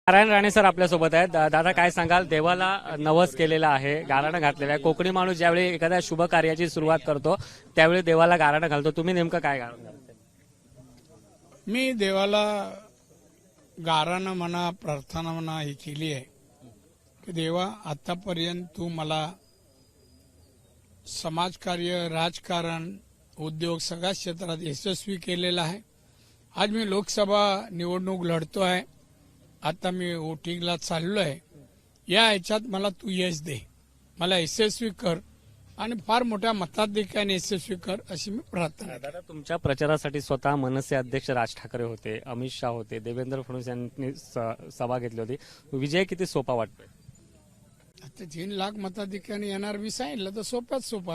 Narayan Rane sir आपल्यासोबत आहेत। दादा काय सांगाल, देवाला नवस केलेला आहे, गाराणं घातलेलं आहे। कोकणी माणूस ज्यावेळी एखाद्या शुभ कार्याची सुरुवात करतो त्यावेळी देवाला गाराणं घालतो, तुम्ही नेमकं काय गाणं घालता? मी देवाला गाराणं म्हणा, प्रार्थना म्हणा ही केली आहे की देवा, आतापर्यंत तू मला समाजकार्य, राजकारण, उद्योग सगळ्या क्षेत्रात यशस्वी केलेला आहे। आज मी लोकसभा निवडणूक लढतो आहे, आता मी वोटिंगला चाललो आहे। या ह्याच्यात मला तू यश दे, मला यशस्वी कर आणि फार मोठ्या मताधिक्याने यशस्वी कर अशी मी प्रार्थना दादा, तुमच्या प्रचारासाठी स्वतः मनसे अध्यक्ष राज ठाकरे होते, अमित शाह होते, देवेंद्र फडणवीस यांनी सभा घेतली होती। विजय किती सोपा वाटतोय? आता 3 लाख मताधिक्याने येणार मी सांगितलं तर सोप्यात सोपा।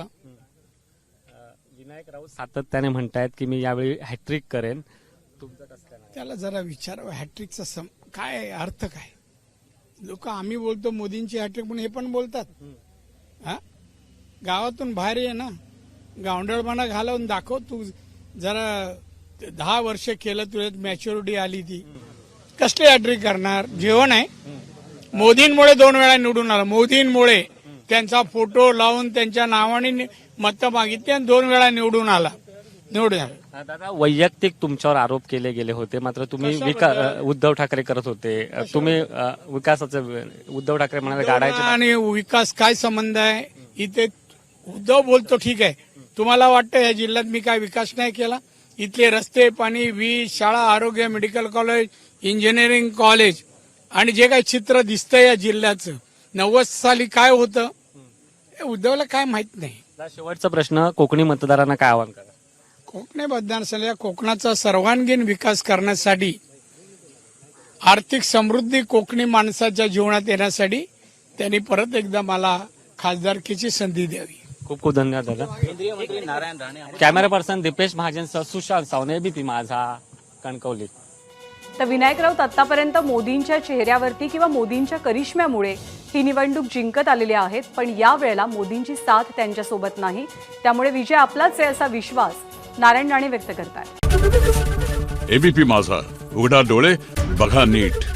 विनायक राऊत सातत्याने म्हणतायत की मी यावेळी हॅट्रिक करेन, तुमचं कसं काय? त्याला जरा विचारावं हॅट्रिकचा काय अर्थ काय? लोक आम्ही बोलतो मोदींची हॅट्रिक म्हणून हे पण बोलतात। हा, गावातून बाहेर ये ना, गावंडळपणा घालवून दाखव। तू जरा 10 वर्ष केलं, तुझ्यात मॅच्युरिटी आली, ती कसली हॅट्रिक करणार? जेवण आहे। मोदींमुळे 2 वेळा निवडून आला, मोदींमुळे त्यांचा फोटो लावून त्यांच्या नावाने मतं मागितली आणि 2 वेळा निवडून आला। दादा, वैयक्तिक तुमच्यावर आरोप केले गेले होते, मात्र तुम्ही उद्धव ठाकरे करत होते, तुम्ही विकासाचं, उद्धव ठाकरे म्हणाले गाडायचे आणि विकास काय संबंध आहे? इथे उद्धव बोलतो ठीक आहे, तुम्हाला वाटतं या जिल्ह्यात मी काय विकास नाही केला? इथले रस्ते, पाणी, वीज, शाळा, आरोग्य, मेडिकल कॉलेज, इंजिनिअरिंग कॉलेज आणि जे काही चित्र दिसतंय या जिल्ह्याचं 90 साली काय होतं उद्धवला काय माहित नाही। शेवटचा प्रश्न, कोकणी मतदारांना काय आवाहन करा? कोकणी मतदारसंघात कोकणाचा सर्वांगीण विकास करण्यासाठी, आर्थिक समृद्धी कोकणी माणसाच्या जीवनात येण्यासाठी त्यांनी परत एकदा मला खासदारकीची संधी द्यावी। खूप खूप धन्यवाद दादा। केंद्रीय मंत्री नारायण राणे कॅमेरा पर्सन दीपेश महाजनसह सुशांत सावने, एबीपी माझा, कणकवली। तर विनायक राऊत आतापर्यंत मोदींच्या चेहऱ्यावरती किंवा मोदींच्या करिश्म्यामुळे ही निवडणूक जिंकत आलेले आहेत, पण यावेळेला मोदींची साथ त्यांच्यासोबत नाही, त्यामुळे विजय आपलाच आहे असा विश्वास नारायण राणे व्यक्त करतात। एबीपी माझा, उघडा डोळे बघा नीट।